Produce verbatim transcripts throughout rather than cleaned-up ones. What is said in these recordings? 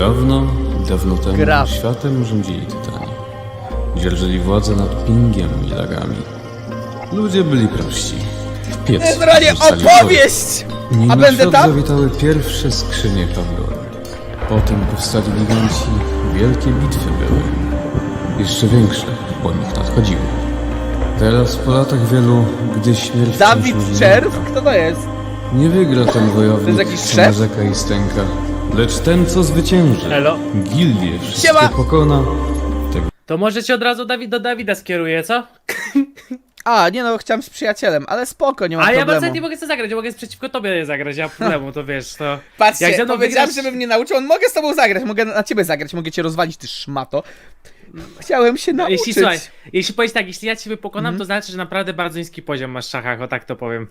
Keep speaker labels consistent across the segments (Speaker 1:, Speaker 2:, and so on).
Speaker 1: Dawno, dawno temu
Speaker 2: Graf.
Speaker 1: światem rządzili tytani. Dzierżyli władzę nad Pingiem i lagami. Ludzie byli prości. W piecu
Speaker 2: Generalnie
Speaker 1: wrzucali
Speaker 2: opowieść!
Speaker 1: wodę. Nim
Speaker 2: A
Speaker 1: na
Speaker 2: będę
Speaker 1: świat
Speaker 2: tam?
Speaker 1: zawitały pierwsze skrzynie Pandory. Potem powstali giganci, wielkie bitwy były. Jeszcze większe, po nich nadchodziły. Teraz po latach wielu, gdy śmierć
Speaker 2: Dawid
Speaker 1: wciąż ludzi
Speaker 2: Czerw?
Speaker 1: nęka,
Speaker 2: Kto to jest?
Speaker 1: nie wygra ten wojownik,
Speaker 2: To jest jakiś
Speaker 1: co
Speaker 2: szef?
Speaker 1: narzeka i stęka. Lecz ten, co zwycięży,
Speaker 3: Elo.
Speaker 1: gildię wszystkie
Speaker 2: Siema.
Speaker 1: pokona. Tego
Speaker 3: To może cię od razu Dawid do Dawida skieruje, co?
Speaker 2: A, nie no, chciałem z przyjacielem, ale spoko, nie ma
Speaker 3: A ja
Speaker 2: problemu.
Speaker 3: bardzo nie mogę sobie zagrać, ja mogę przeciwko tobie zagrać, ja mam problemu, to wiesz, to... Jak
Speaker 2: Patrzcie,
Speaker 3: ze mną
Speaker 2: powiedziałem,
Speaker 3: wygrasz-
Speaker 2: żebym nie nauczył, on mogę z tobą zagrać, mogę na ciebie zagrać, mogę cię rozwalić, ty szmato. Chciałem się nauczyć.
Speaker 3: Jeśli, słuchaj, jeśli powiesz tak, jeśli ja ciebie pokonam, to znaczy, że naprawdę bardzo niski poziom masz w szachach, o tak to powiem.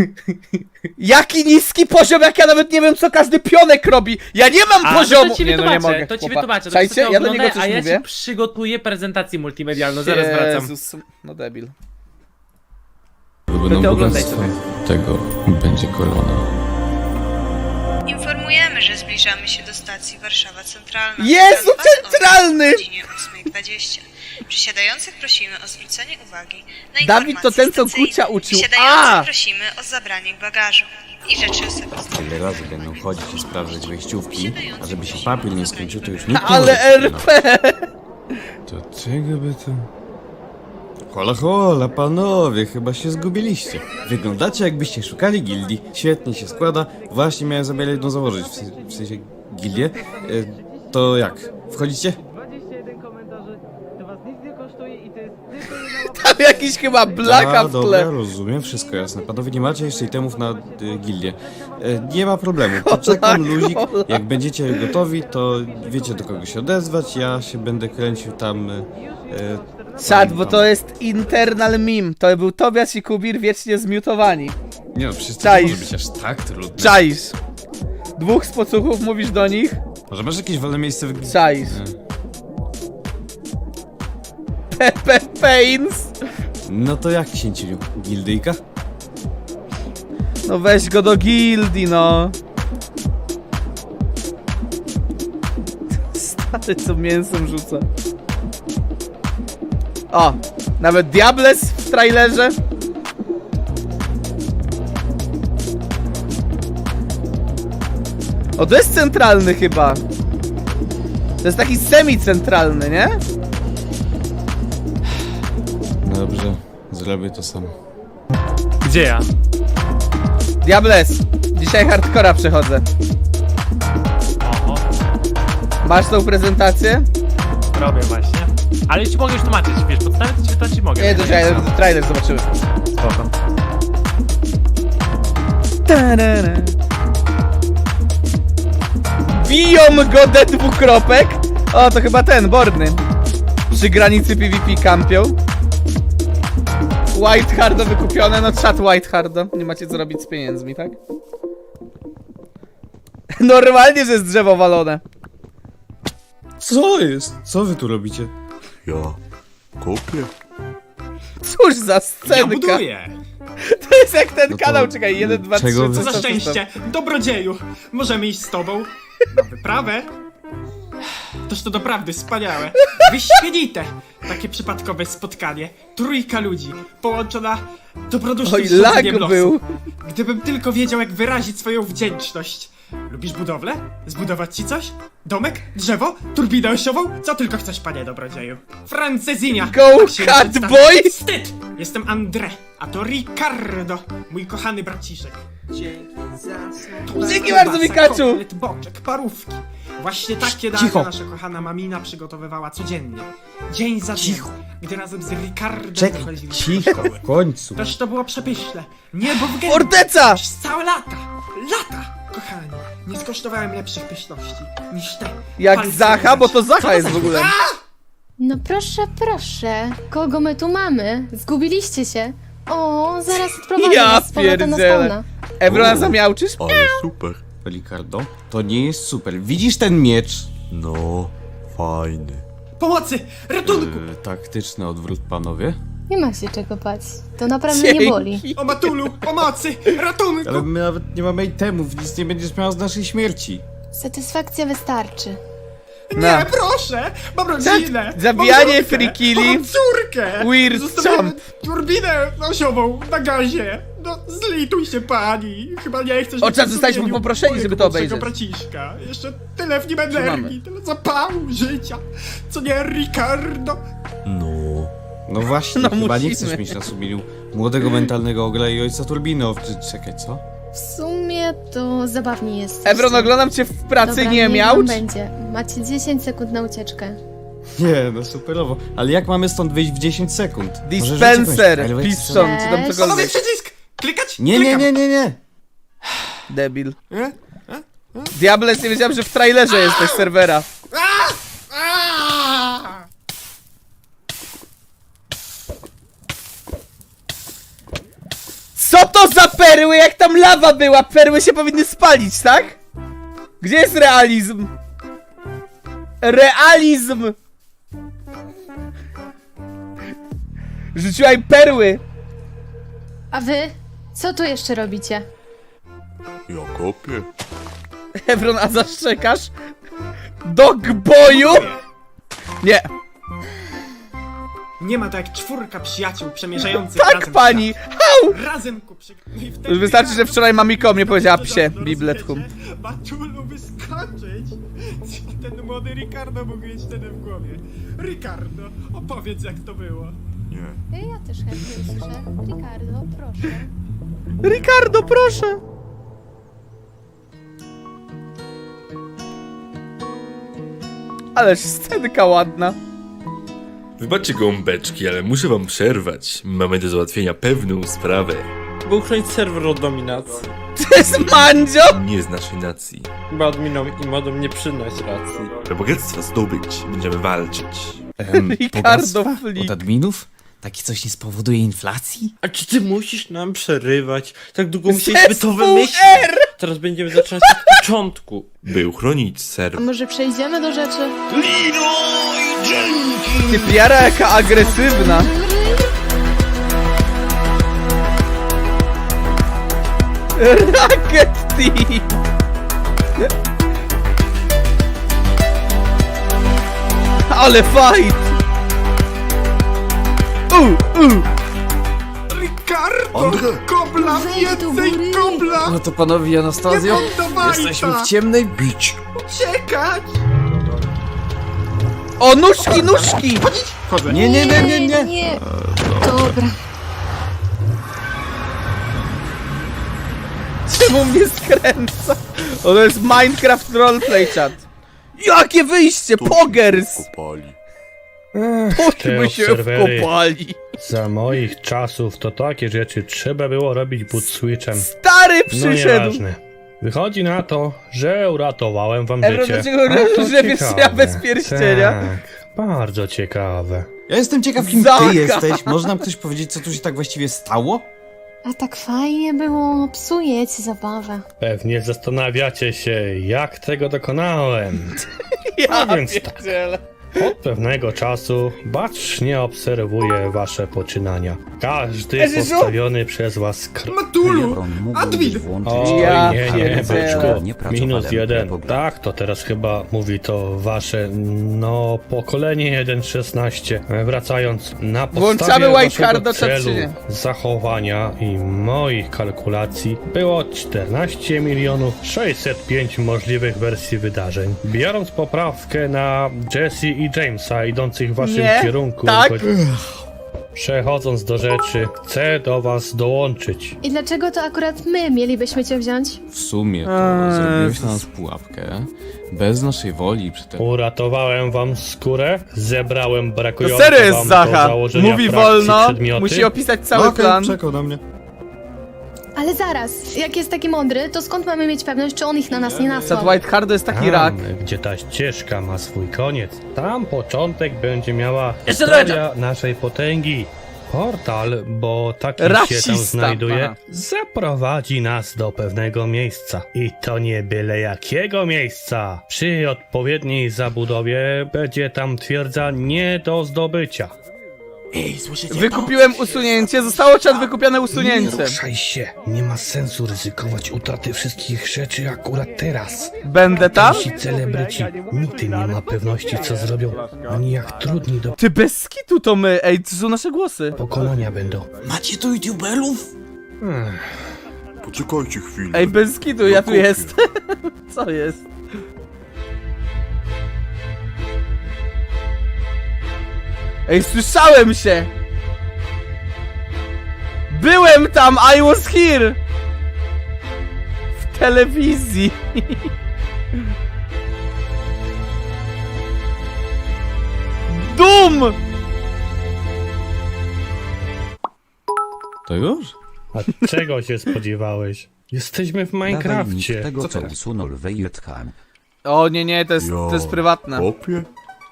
Speaker 2: Jaki niski poziom, jak ja nawet nie wiem, co każdy pionek robi. Ja nie mam
Speaker 3: A,
Speaker 2: poziomu.
Speaker 3: to ci
Speaker 2: nie, no, nie
Speaker 3: wytłumaczę,
Speaker 2: mogę,
Speaker 3: to ci
Speaker 2: chłopa.
Speaker 3: wytłumaczę, to
Speaker 2: Czajcie,
Speaker 3: sobie
Speaker 2: ja do
Speaker 3: oglądaj,
Speaker 2: niego coś
Speaker 3: a ja
Speaker 2: mówię.
Speaker 3: ci przygotuję prezentację multimedialną, zaraz wracam.
Speaker 2: Jezus, no debil.
Speaker 1: będą
Speaker 3: ty oglądaj
Speaker 1: bogactwa.
Speaker 3: sobie.
Speaker 1: Tego będzie korona.
Speaker 4: Informujemy, że zbliżamy się do stacji Warszawa Centralna.
Speaker 2: Jezu,
Speaker 4: Plan pas
Speaker 2: centralny!
Speaker 4: O godzinie ósmej dwadzieścia. Przysiadających prosimy o zwrócenie uwagi na
Speaker 2: Dawid to ten, co
Speaker 4: informacje
Speaker 2: Gucia
Speaker 4: stacyjne.
Speaker 2: uczył.
Speaker 4: Wysiadających
Speaker 2: A!
Speaker 4: prosimy o zabranie bagażu i rzeczy osobiste.
Speaker 1: Tyle razy będą chodzić i sprawdzać wejściówki, a żeby się papier nie skończył, to już nikt nie
Speaker 2: Ale
Speaker 1: może
Speaker 2: R P!
Speaker 1: To czego by to... Hola, hola, panowie, chyba się zgubiliście. Wyglądacie, jakbyście szukali gildii. Świetnie się składa. Właśnie miałem zamiar jedną założyć, w, se- w sensie gildię. E, to jak? Wchodzicie?
Speaker 3: dwadzieścia jeden komentarzy, to was nic nie kosztuje i to jest tylko jedna
Speaker 2: Tam jakiś chyba blaka
Speaker 1: A,
Speaker 2: w
Speaker 1: dobra,
Speaker 2: tle.
Speaker 1: rozumiem, wszystko jasne. Panowie, nie macie jeszcze itemów na y, gildię. E, nie ma problemu, poczekam, luzik. Jak będziecie gotowi, to wiecie, do kogo się odezwać. Ja się będę kręcił tam... Y, y,
Speaker 2: Czad, bo to jest internal meme. To był Tobiasz i Kubir wiecznie zmiutowani.
Speaker 1: Nie no, przecież to
Speaker 2: Czaisz.
Speaker 1: nie może być aż tak trudne.
Speaker 2: Czaisz. Dwóch spocuchów mówisz do nich?
Speaker 1: Może masz jakieś wolne miejsce w gildii?
Speaker 2: Czaisz. Pepe Pains.
Speaker 1: No to jak, księciu? Gildyjka?
Speaker 2: No weź go do gildii, no. Stary, co mięsem rzuca. O, nawet Diables w trailerze. O, to jest centralny chyba. To jest taki semi-centralny, nie?
Speaker 1: Dobrze, zrobię to sam.
Speaker 3: Gdzie ja?
Speaker 2: Diables, dzisiaj hardcora przechodzę.
Speaker 3: Oho,
Speaker 2: Masz tą prezentację?
Speaker 3: robię właśnie. Ale już ci mogę już tłumaczyć, wiesz, podstawy to ci wytłumaczyć mogę.
Speaker 2: Nie, to czekaj, trailer zobaczymy.
Speaker 3: Spoko.
Speaker 2: Tarara. Biją go D dwukropek. O, to chyba ten, Borny. Przy granicy PvP kampią. White Hardo wykupione, no czat White Hardo. Nie macie co robić z pieniędzmi, tak? Normalnie, że jest drzewo walone.
Speaker 1: Co jest? Co wy tu robicie?
Speaker 5: Ja kopię.
Speaker 2: Cóż za scenka. To jest jak ten
Speaker 1: No to,
Speaker 2: kanał, czekaj, jeden, dwa, trzy,
Speaker 1: czego wy-
Speaker 2: co
Speaker 6: Co za
Speaker 2: to,
Speaker 6: szczęście! Dobrodzieju! Możemy iść z tobą na wyprawę? Toż to doprawdy wspaniałe! Wyśmienite! Takie przypadkowe spotkanie. Trójka ludzi, połączona dobrodusznym
Speaker 2: Oj,
Speaker 6: stworzeniem
Speaker 2: lag
Speaker 6: losu.
Speaker 2: był.
Speaker 6: Gdybym tylko wiedział, jak wyrazić swoją wdzięczność. Lubisz budowlę? Zbudować ci coś? Domek? Drzewo? Turbinę osiową? Co tylko chcesz, panie dobrodzieju? Francezinia!
Speaker 2: Go,
Speaker 6: Tak się
Speaker 2: cat
Speaker 6: przedstawia.
Speaker 2: boy!
Speaker 6: Wstyd! Jestem André, a to Ricardo, mój kochany braciszek.
Speaker 2: Dzięki bardzo, Mikachu!
Speaker 6: Kotlet, boczek, parówki. Właśnie takie dania
Speaker 1: cicho.
Speaker 6: nasza kochana mamina przygotowywała codziennie. Dzień za dniem,
Speaker 1: Cicho.
Speaker 6: gdy razem z Ricardem
Speaker 1: Czekaj,
Speaker 6: wychodziliśmy do
Speaker 1: cicho,
Speaker 6: szkoły.
Speaker 1: w końcu.
Speaker 6: Toż to było przepyszne. Niebo w gębie.
Speaker 2: Forteca!
Speaker 6: Przez całe lata, lata, kochani. Nie skosztowałem lepszych pyszności niż te.
Speaker 2: Jak
Speaker 6: Palce
Speaker 2: Zacha, bo to
Speaker 6: lizać. Co
Speaker 2: Zacha jest
Speaker 6: za-
Speaker 2: w ogóle.
Speaker 7: No proszę, proszę. Kogo my tu mamy? Zgubiliście się. O, zaraz odprowadzę
Speaker 2: Ja
Speaker 7: was z powrotem na
Speaker 2: pierdzielę.
Speaker 7: spawna.
Speaker 2: Ebrona zamiałczysz?
Speaker 5: Ale super.
Speaker 1: Ricardo, to nie jest super. Widzisz ten miecz?
Speaker 5: No, fajny.
Speaker 6: Pomocy! Ratunku!
Speaker 1: Yy, taktyczny odwrót, panowie.
Speaker 7: Nie ma się czego bać. To naprawdę nie boli.
Speaker 2: Dzięki.
Speaker 6: O Matulu! Pomocy! Ratunku!
Speaker 1: Ale my nawet nie mamy itemów, nic nie będziesz miał z naszej śmierci.
Speaker 7: Satysfakcja wystarczy.
Speaker 2: Na.
Speaker 6: Nie, proszę! Mam rodzinę!
Speaker 2: zabijanie,
Speaker 6: mam żonkę,
Speaker 2: free killi.
Speaker 6: mam córkę!
Speaker 2: Weird
Speaker 6: Zostawiamy
Speaker 2: jump.
Speaker 6: turbinę osiową na gazie! No, zlituj się pani! Chyba nie chcesz...
Speaker 2: O,
Speaker 6: być
Speaker 2: czas zostaliśmy
Speaker 6: sumieniu
Speaker 2: poproszeni,
Speaker 6: mojego
Speaker 2: żeby to
Speaker 6: młodszego
Speaker 2: obejrzeć.
Speaker 6: braciszka. Jeszcze tyle w nim
Speaker 2: Trzymamy.
Speaker 6: energii, tyle zapału życia! Co nie, Ricardo?
Speaker 5: No,
Speaker 1: No właśnie,
Speaker 2: No
Speaker 1: chyba
Speaker 2: musimy.
Speaker 1: nie chcesz mieć na sumieniu młodego mentalnego ogla i ojca turbiny. O, czy- czekaj, co?
Speaker 7: W sumie to zabawnie jest.
Speaker 2: Ebron, oglądam cię w pracy,
Speaker 7: Dobra,
Speaker 2: nie
Speaker 7: niech
Speaker 2: miał?
Speaker 7: wam będzie. Macie dziesięć sekund na ucieczkę.
Speaker 1: Nie, no superowo. Ale jak mamy stąd wyjść w dziesięć sekund? Może
Speaker 2: Dispenser,
Speaker 1: rzucić jakąś-
Speaker 2: piston, czy tam
Speaker 7: Cześć.
Speaker 6: Panowie,
Speaker 2: cokolwiek.
Speaker 6: przycisk! Klikać?
Speaker 1: Nie, nie,
Speaker 6: Klikam.
Speaker 1: nie, nie, nie.
Speaker 2: Debil. Diables, nie wiedziałem, że w trailerze jesteś serwera.
Speaker 6: Aaaa!
Speaker 2: Co to za perły, jak tam lawa była? Perły się powinny spalić, tak? Gdzie jest realizm? Realizm! Rzuciła im perły!
Speaker 7: A wy? Co tu jeszcze robicie?
Speaker 5: ja kopię.
Speaker 2: Evron, a zaszczekasz? Dogboyu? Nie,
Speaker 6: Nie ma tak jak czwórka przyjaciół przemierzających
Speaker 2: tak
Speaker 6: razem
Speaker 2: pani!
Speaker 6: świat. Razem ku przy... No i wtedy
Speaker 2: Już wystarczy, że wczoraj mamiko mnie powiedziała
Speaker 6: to
Speaker 2: psie,
Speaker 6: dawno
Speaker 2: bibletkum.
Speaker 6: rozumiecie? Maczulu wyskoczyć! Co ten młody Ricardo mógł mieć wtedy w głowie? Ricardo, opowiedz jak to było.
Speaker 5: Nie.
Speaker 7: Ja też chętnie usłyszę. Ricardo, proszę.
Speaker 2: Ricardo, proszę! Ależ scenka ładna.
Speaker 8: Wybaczcie gąbeczki, ale muszę wam przerwać. Mamy do załatwienia pewną sprawę.
Speaker 9: By uchronić serwer od dominacji.
Speaker 2: To jest Mandzio!
Speaker 8: Nie z naszej nacji.
Speaker 9: Chyba adminom i modom nie przynoś racji.
Speaker 8: By bogactwa zdobyć, będziemy walczyć.
Speaker 1: Em,
Speaker 2: Ricardo
Speaker 1: bogactwa?
Speaker 2: Flick.
Speaker 1: Od adminów? Takie coś nie spowoduje inflacji?
Speaker 9: A czy ty musisz nam przerywać? Tak długo musieliśmy to
Speaker 2: Zespół
Speaker 9: wymyślić.
Speaker 2: R!
Speaker 9: Teraz będziemy zaczynać od początku.
Speaker 8: By uchronić
Speaker 7: A
Speaker 8: serwer.
Speaker 7: może przejdziemy do rzeczy?
Speaker 2: Ty piara jaka agresywna. Rocket Team! Ale fight! U, u.
Speaker 6: Ricardo!
Speaker 5: Andrzej!
Speaker 6: Kobla! Więcej kobla!
Speaker 1: No to panowie
Speaker 6: Nie
Speaker 1: Anastazjo,
Speaker 6: poddawaj
Speaker 1: jesteśmy
Speaker 6: ta!
Speaker 1: w ciemnej...
Speaker 5: Bić!
Speaker 6: Uciekać!
Speaker 2: O, nóżki, nóżki!
Speaker 6: Chodzę.
Speaker 1: Nie, nie, nie, nie, nie.
Speaker 7: nie. Dobra.
Speaker 2: Czemu mnie skręca? O, to jest Minecraft Roleplay chat. Jakie wyjście, pogers!
Speaker 5: Kopali.
Speaker 2: Chodźmy się wkopali.
Speaker 10: Za moich czasów to takie rzeczy trzeba było robić boot switchem.
Speaker 2: Stary
Speaker 10: No
Speaker 2: przyszedł!
Speaker 10: nieważne. Wychodzi na to, że uratowałem wam
Speaker 2: Ebro,
Speaker 10: życie.
Speaker 2: dlaczego
Speaker 10: A to
Speaker 2: grzebiesz
Speaker 10: ciekawe.
Speaker 2: ja bez pierścienia?
Speaker 10: Tak, bardzo ciekawe.
Speaker 1: Ja jestem ciekaw, kim
Speaker 2: Zaka.
Speaker 1: ty jesteś. Może nam ktoś powiedzieć, co tu się tak właściwie stało?
Speaker 7: A tak fajnie było. Psujecie zabawę.
Speaker 10: Pewnie zastanawiacie się, jak tego dokonałem.
Speaker 2: Ja
Speaker 10: No więc tak.
Speaker 2: pierdzielę.
Speaker 10: Od pewnego czasu bacznie obserwuję wasze poczynania. Każdy
Speaker 2: Jezu!
Speaker 10: postawiony przez was krok.
Speaker 6: Matulu! Admin!
Speaker 10: Oj,
Speaker 2: Ja
Speaker 10: nie, nie,
Speaker 2: pierdzielę.
Speaker 10: byczku. Minus jeden. Tak, to teraz chyba mówi to wasze, no, pokolenie jeden szesnaście. Wracając, na
Speaker 2: Włączamy
Speaker 10: podstawie
Speaker 2: White
Speaker 10: waszego
Speaker 2: Harda, czy
Speaker 10: celu,
Speaker 2: nie?
Speaker 10: zachowania i moich kalkulacji było czternaście milionów sześćset pięć możliwych wersji wydarzeń. Biorąc poprawkę na Jesse i Jamesa idących w waszym
Speaker 2: Nie,
Speaker 10: kierunku,
Speaker 2: tak.
Speaker 10: choć- przechodząc do rzeczy, chcę do was dołączyć.
Speaker 7: I dlaczego to akurat my mielibyśmy cię wziąć?
Speaker 1: W sumie to
Speaker 2: Eee,
Speaker 1: zrobiłeś na nas pułapkę. Bez naszej woli i przy tym...
Speaker 10: Uratowałem wam skórę, zebrałem
Speaker 2: To
Speaker 10: brakujące
Speaker 2: serio jest
Speaker 10: wam do
Speaker 2: Zacha.
Speaker 10: założenia
Speaker 2: Mówi
Speaker 10: frakcji
Speaker 2: wolno,
Speaker 10: przedmioty.
Speaker 2: musi opisać cały
Speaker 1: No okej,
Speaker 2: plan.
Speaker 1: czekał na mnie.
Speaker 7: Ale zaraz, jak jest taki mądry, to skąd mamy mieć pewność, czy on ich na nas nie
Speaker 2: Sad
Speaker 7: nasłał?
Speaker 2: White Hardo jest taki
Speaker 10: Tam,
Speaker 2: rak.
Speaker 10: gdzie ta ścieżka ma swój koniec, tam początek będzie miała
Speaker 2: Jeszcze
Speaker 10: historia naszej potęgi. Portal, bo taki się tam
Speaker 2: Rasista.
Speaker 10: znajduje,
Speaker 2: Aha.
Speaker 10: zaprowadzi nas do pewnego miejsca. I to nie byle jakiego miejsca. Przy odpowiedniej zabudowie będzie tam twierdza nie do zdobycia.
Speaker 6: Ej, słyszycie
Speaker 2: Wykupiłem usunięcie, zostało czat wykupione usunięcie.
Speaker 10: Ruszaj się, nie ma sensu ryzykować utraty wszystkich rzeczy akurat teraz.
Speaker 2: Będę tam?
Speaker 10: Ci celebryci nigdy nie ma pewności, co zrobią, ani jak trudni do
Speaker 2: Ty bez skitu to my, ej, to są nasze głosy.
Speaker 10: pokonania będą.
Speaker 1: Macie tu youtuberów?
Speaker 5: Poczekajcie chwilę.
Speaker 2: Ej, bez skitu, ja tu jest. Co jest? Ej, słyszałem się! Byłem tam, I was here! W telewizji. Dum!
Speaker 1: To już?
Speaker 10: A czego się spodziewałeś? Jesteśmy w Minecrafcie.
Speaker 11: tego, co usunął Wejetham.
Speaker 2: O nie, nie, to jest, to jest prywatne.
Speaker 5: Kopię?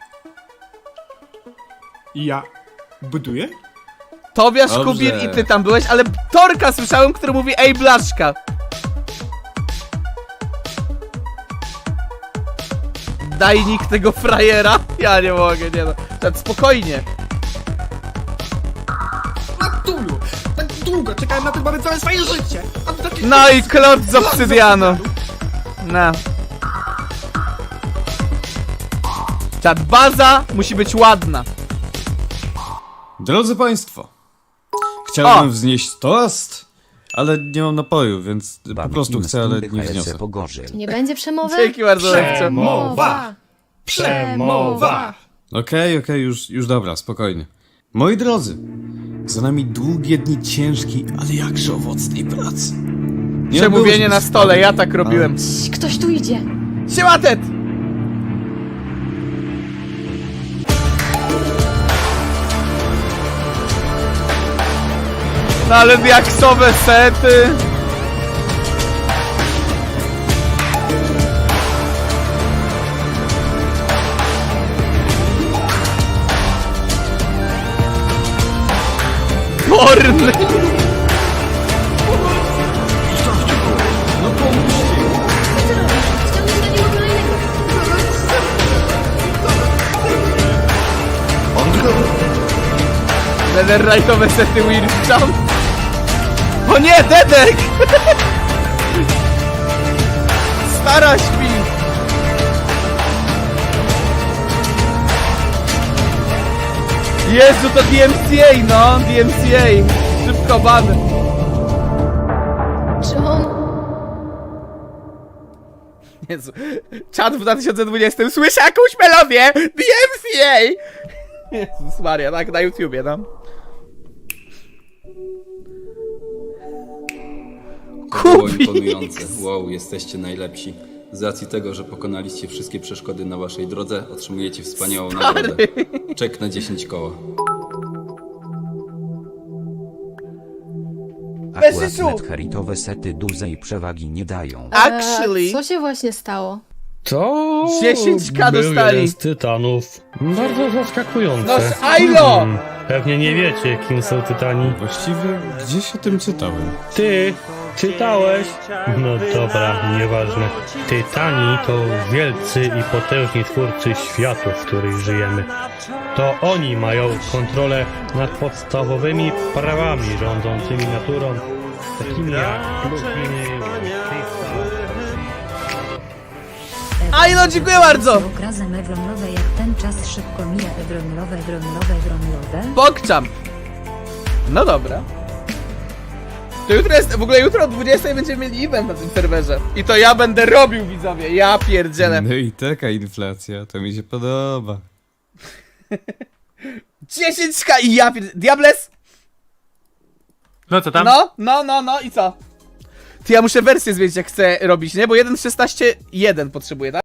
Speaker 6: Ja buduję?
Speaker 2: Tobiasz,
Speaker 1: Dobrze.
Speaker 2: Kubir i ty tam byłeś, ale Torka słyszałem, który mówi ej blaszka. Daj nick tego frajera. Ja nie mogę, nie no. Tak spokojnie.
Speaker 6: Matulu! Tak długo czekałem na ten moment całe swoje życie! A ty taki...
Speaker 2: No i klot z obsydianu. No. Czat, baza musi być ładna.
Speaker 1: Drodzy Państwo, chciałbym
Speaker 2: O!
Speaker 1: wznieść toast, ale nie mam napoju, więc po prostu chcę, ale nie wzniosę.
Speaker 7: Nie będzie przemowy?
Speaker 2: Dzięki bardzo, Lekcio.
Speaker 7: Przemowa!
Speaker 10: Przemowa!
Speaker 1: Okej, okej, już, już dobra, spokojnie. Moi drodzy, za nami długie dni ciężkiej, ale jakże owocnej pracy. Nie
Speaker 2: Przemówienie
Speaker 1: odbyło
Speaker 2: na
Speaker 1: się
Speaker 2: stole, ja tak robiłem.
Speaker 7: Cii, ktoś tu idzie.
Speaker 2: Siema, Ted! No ale diaksowe sety. Porny! Netherite'owe sety Wyrmstone. O nie, Dedek! Stara śpi! Jezu, to D M C A, no! D M C A! Szybko ban!
Speaker 7: Czy on...
Speaker 2: Jezu. Czat w dwa tysiące dwudziestym słyszę jakąś melodię! D M C A! Jezus Maria, tak na YouTubie, no.
Speaker 12: Było
Speaker 2: Kubik!
Speaker 12: imponujące. Wow, jesteście najlepsi. Z racji tego, że pokonaliście wszystkie przeszkody na waszej drodze, otrzymujecie wspaniałą nagrodę. Czek na dziesięć koła.
Speaker 11: Akurat netheritowe sety dużej przewagi nie dają.
Speaker 2: Actually...
Speaker 7: Eee, co się właśnie stało?
Speaker 10: To
Speaker 2: dziesięć ka
Speaker 10: był
Speaker 2: dostali.
Speaker 10: jeden z tytanów. Bardzo zaskakujące.
Speaker 2: No z Ailo!
Speaker 10: Hmm, pewnie nie wiecie, kim są tytani.
Speaker 1: Właściwie gdzieś o tym czytałem.
Speaker 10: Ty czytałeś? No dobra, nieważne. Tytani to wielcy i potężni twórcy światu, w których żyjemy. To oni mają kontrolę nad podstawowymi prawami rządzącymi naturą, takimi jak pluginy,
Speaker 2: Ailo, dziękuję bardzo!
Speaker 13: Okrazem ewronowe jak ten czas szybko mija ewronowe, ewronowe, ewronowe.
Speaker 2: Pokczam! No dobra. To jutro jest, w ogóle jutro o dwudziestej będziemy mieli event na tym serwerze. I to ja będę robił, widzowie, ja pierdzielę.
Speaker 1: No i taka inflacja, to mi się podoba.
Speaker 2: dziesięć ka i ja pierdzielę. Diables?
Speaker 3: No co tam?
Speaker 2: No, no, no, no i co? Ty, ja muszę wersję zmienić jak chcę robić, nie? Bo jeden szesnaście jeden potrzebuję, tak?